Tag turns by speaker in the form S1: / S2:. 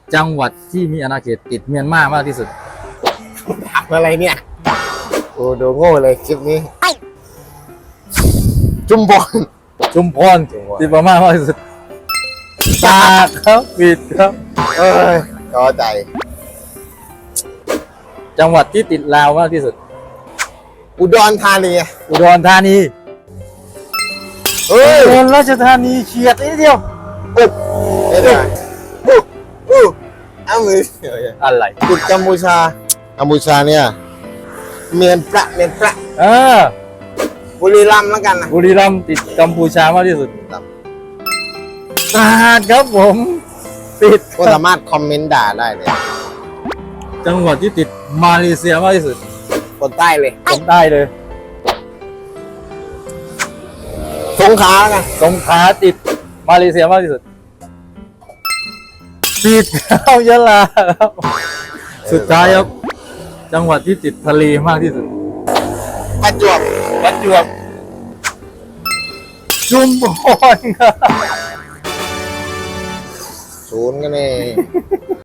S1: จังหวัดที่มีอาณาเขตติดเมียนมามากที่สุด
S2: ถามอะไรเนี่ยโอ้ดูโง่เลยคลิปนี้ จุมพร
S1: ชุมพรติดพม่ามากที่สุดตากครับผิดครับ
S2: เอ้ยจอใจ
S1: จังหวัดที่ติดลาวมากที่สุด
S2: อุดรธานี
S1: อุดรธานี
S2: เฮ้ย
S1: อุบลราชธานีเฉียดนิดเดียว
S2: อุ๊บไม่ได้อุ๊บเอามือ
S1: อะไร
S2: ติดกัมพูชาเนี่ยเมียนประ
S1: เออ
S2: บุรีรัมย์แล้วกันนะ
S1: บุรีรัมย์ติดกัมพูชามากที่สุด
S2: ครับ
S1: ตราดครับผมติด
S2: ก็สามารถคอมเมนต์ด่าได้เลย
S1: จังหวัดที่ติดมาเลเซียมากที่สุด
S2: คนใต้เลย
S1: ผมได้เลย
S2: สงขลาแล้วกัน
S1: สงขลาติดมาเลเซียมากที่สุดติดเข้ายะลาครับสุดท้ายครับจังหวัดที่ติดทะเลมากที่สุด
S2: ประจวบ
S1: ประจวบชุมพรครับ
S2: ศูนย์กันเอง